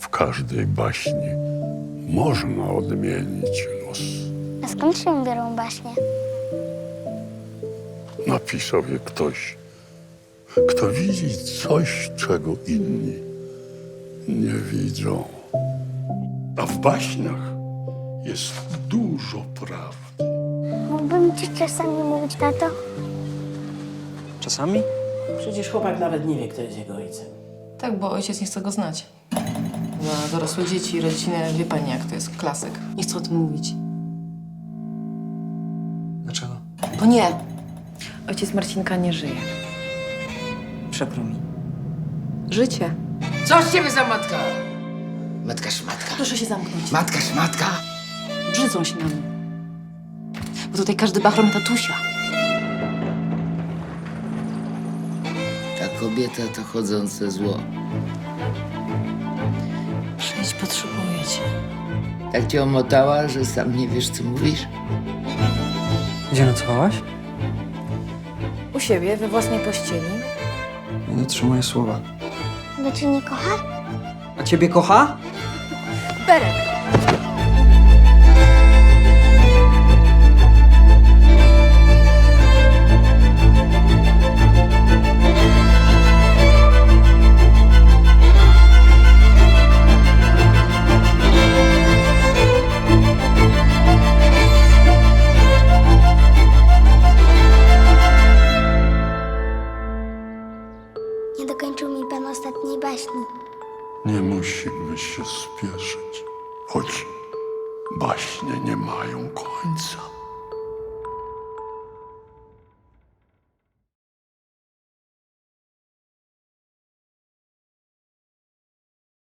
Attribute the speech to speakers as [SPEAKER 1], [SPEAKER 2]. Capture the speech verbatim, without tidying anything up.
[SPEAKER 1] W każdej baśni można odmienić los.
[SPEAKER 2] A skąd się biorą baśnie?
[SPEAKER 1] Napisał je ktoś, kto widzi coś, czego inni nie widzą. A w baśniach jest dużo prawdy.
[SPEAKER 2] Mógłbym ci czasami mówić, tato?
[SPEAKER 3] Czasami?
[SPEAKER 4] Przecież chłopak nawet nie wie, kto jest jego ojcem.
[SPEAKER 5] Tak, bo ojciec nie chce go znać. Dla dorosłe dzieci i rodziny wie pani, jak to jest klasyk. Nie chcę o tym mówić.
[SPEAKER 3] Dlaczego?
[SPEAKER 5] Bo nie. Ojciec Marcinka nie żyje.
[SPEAKER 3] Przykro mi.
[SPEAKER 5] Życie.
[SPEAKER 6] Co z ciebie za matka? Matka szmatka.
[SPEAKER 5] Proszę się zamknąć.
[SPEAKER 6] Matka szmatka.
[SPEAKER 5] Brzydzą się nami. Bo tutaj każdy bachrom tatusia.
[SPEAKER 6] Ta kobieta to chodzące zło.
[SPEAKER 5] Przyjdź, potrzebuję cię.
[SPEAKER 6] Tak cię omotała, że sam nie wiesz, co mówisz?
[SPEAKER 3] Gdzie nocowałaś?
[SPEAKER 5] U siebie, we własnej pościeli.
[SPEAKER 3] Nie dotrzymuję słowa.
[SPEAKER 2] Bo cię nie kocha?
[SPEAKER 3] A ciebie kocha?
[SPEAKER 5] Berek!
[SPEAKER 2] Nie dokończył mi pan ostatniej baśni.
[SPEAKER 1] Nie musimy się spieszyć, choć baśnie nie mają końca.